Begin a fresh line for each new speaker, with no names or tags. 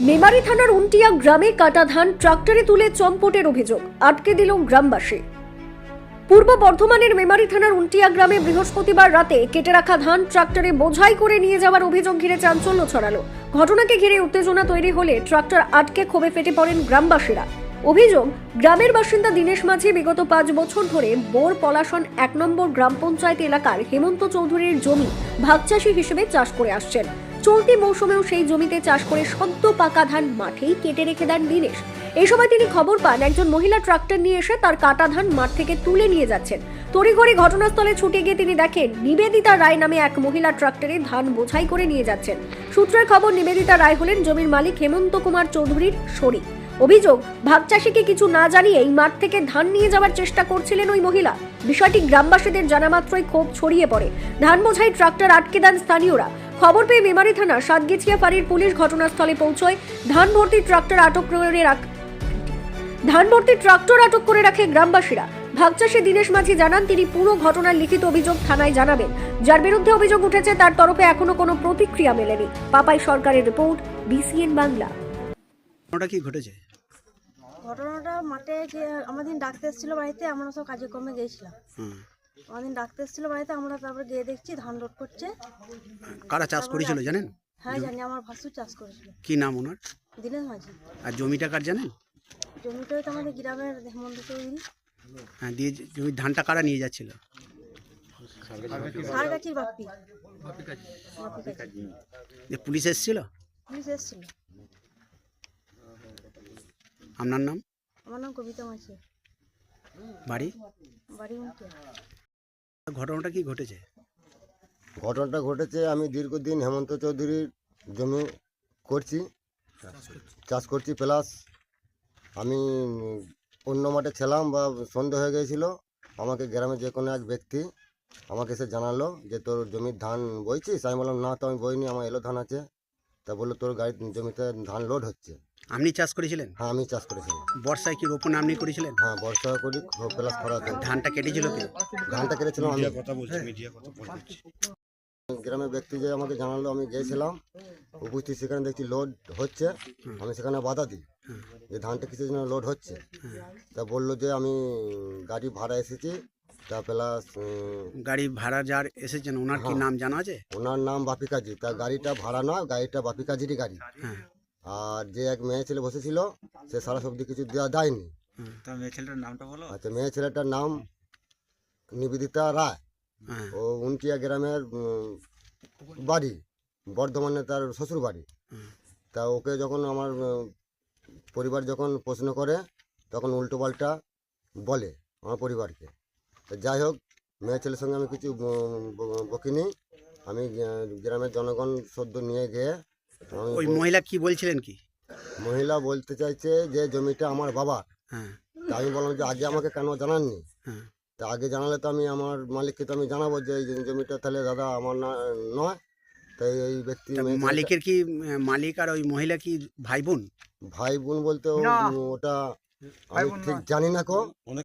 মেমারি থানার উন্টিয়া গ্রামে কাটা ধান ট্রাক্টরে তুলে চম্পটের অভিযোগ, আটকে দিল গ্রামবাসী। পূর্ব বর্ধমানের মেমারি থানার উন্টিয়া গ্রামে বৃহস্পতিবার রাতে কেটে রাখা ধান ট্রাক্টরে বোঝাই করে নিয়ে যাওয়ার অভিযোগ ঘিরে চাঞ্চল্য ছড়ালো। ঘটনাকে ঘিরে উত্তেজনা তৈরি হলে ট্রাক্টর আটকে ক্ষোভে ফেটে পড়েন গ্রামবাসীরা। অভিযোগ, গ্রামের বাসিন্দা দীনেশ মাঝি বিগত 5 বছর ধরে বোর পলাশন 1 নম্বর গ্রাম পঞ্চায়েত এলাকার হেমন্ত চৌধুরীর জমি ভাগচাষী হিসেবে চাষ করে আসছেন। চলতি মৌসুমেও সেই জমিতে চাষ করে সদ্য পাকা ধান মাঠেই কেটে রেখে দেন দীনেশ। এই সময় তিনি খবর পান একজন মহিলা ট্রাক্টর নিয়ে এসে তার কাটা ধান মাঠ থেকে তুলে নিয়ে যাচ্ছেন। তড়িঘড়ি ঘটনাস্থলে ছুটে গিয়ে তিনি দেখেন নিবেদিতা রায় নামে এক মহিলা ট্রাক্টরে ধান বোঝাই করে নিয়ে যাচ্ছেন। সূত্রের খবর, নিবেদিতা রায় হলেন জমির মালিক হেমন্ত কুমার চৌধুরীর শরীক। অভিযোগ, ভাগচাষীকে কিছু না জানিয়েই মাঠ থেকে ধান নিয়ে যাওয়ার চেষ্টা করছিলেন ওই মহিলা। বিষয়টি গ্রামবাসীদের জানা মাত্রই ক্ষোভ ছড়িয়ে পড়ে। ধান বোঝাই ট্রাক্টর আটকে দেন স্থানীয়রা। খবর পেয়ে মেমারি থানা সাতগেছিয়া ফাঁড়ির পুলিশ ঘটনাস্থলে পৌঁছয়। ধান ভর্তি ট্রাক্টর আটক করে রাখে গ্রামবাসীরা। ভাগচাষী দীনেশ মাঝি জানান তিনি পুরো ঘটনার লিখিত অভিযোগ থানায় জানাবেন। যার বিরুদ্ধে অভিযোগ উঠেছে তার তরফে এখনো কোনো প্রতিক্রিয়া মেলেনি। পাপাই সরকারের রিপোর্ট, BCN বাংলা।
ওটা কি ঘটেছে?
ঘটনাটা মাঠে যে আমাদের ডাকতে এসেছিল বাড়িতে, আমরা সব কাজকর্মে গিয়েছিলাম। আমাদের ডাকতে এসেছিল বাড়িতে, আমরা তারপরে গিয়ে দেখছি ধান লোড করছে।
কারা চাষ করেছিল জানেন?
হ্যাঁ জানি, আমার ভাসুর চাষ করেছিল।
কি নাম ওনার?
দীনেশ মাঝি।
আর জমিটা কার জানেন?
জমিটা তো আমাদের গ্রামের হেমন্ত চৌধুরী।
হ্যাঁ, দিয়ে জমির ধানটা কারা নিয়ে যাচ্ছিল?
সারগাছির বাপ্পি।
পুলিশ এসেছিল?
পুলিশ এসেছিল।
আপনার নাম?
আমার নাম কবিতা মাঝি।
বাড়ি?
বাড়ি উন্টিয়া।
ঘটনাটা কি ঘটেছে?
ঘটনাটা ঘটেছে, আমি দীর্ঘদিন হেমন্ত চৌধুরীর জমি করছি, চাষ করছি, প্লাস আমি অন্য মাঠে ছিলাম বা সন্দেহ হয়ে গিয়েছিল। আমাকে গ্রামে যে কোনো এক ব্যক্তি আমাকে এসে জানালো যে তোর জমির ধান বইছিস। আমি বললাম না, তো আমি বইনি, আমার এলো ধান আছে। তা বললো তোর গাড়ির জমিতে ধান লোড হচ্ছে।
আপনি চাষ করেছিলেন?
হ্যাঁ, আমি চাষ করেছিলাম।
বর্ষায় কি রোপণ আপনি করেছিলেন?
হ্যাঁ, বর্ষা করি প্লাস খরা করি।
ধানটা কেটেছিল কে?
ধানটা কেটেছিলাম আমি। গ্রামের ব্যক্তি যে আমাকে জানালো, আমি গিয়েছিলাম উপস্থিত, সেখানে দেখছি লোড হচ্ছে। আমি সেখানে বাধা দিই যে ধানটা কিসের জন্য লোড হচ্ছে। তা বললো যে আমি গাড়ি ভাড়া এসেছি, তা প্লাস
গাড়ি ভাড়া যার এসেছেন ওনার কি নাম জানা আছে?
ওনার নাম বাপি কাজী। তা গাড়িটা ভাড়া নয়, গাড়িটা বাপি কাজীরই গাড়ি।
হ্যাঁ।
আর যে এক মেয়ে ছেলে বসেছিল সে সারা সবজি কিছু দেওয়া দেয়নি।
তা মেয়ে ছেলেটার নামটা বলো।
আচ্ছা, মেয়ে ছেলেটার নাম নিবেদিতা রায়।
হ্যাঁ।
ও উন্টিয়া গ্রামের বাড়ি, বর্ধমানে তার শ্বশুর বাড়ি। তা ওকে যখন আমার পরিবার যখন প্রশ্ন করে তখন উল্টোপাল্টা বলে আমার পরিবারকে। তা যাই হোক, মেয়ে ছেলের সঙ্গে আমি কিছু বকিনি। আমি গ্রামের জনগণ সদ্য নিয়ে গিয়ে
ওই মহিলা কি বলছিলেন কি?
মহিলা বলতে চাইছে যে জমিটা আমার বাবার।
হ্যাঁ।
তা আমি বললাম যে আগে আমাকে কেন জানাননি?
হ্যাঁ।
তা আগে জানালে তো আমি আমার মালিককে তো আমি জানাবো যে এই জমিটা তাহলে দাদা আমার না নয়। তাই এই ব্যক্তি
মালিকের কি, মালিক আর ওই মহিলা কি ভাই বোন?
ভাই বোন বলতে ওটা আমি ঠিক জানি না।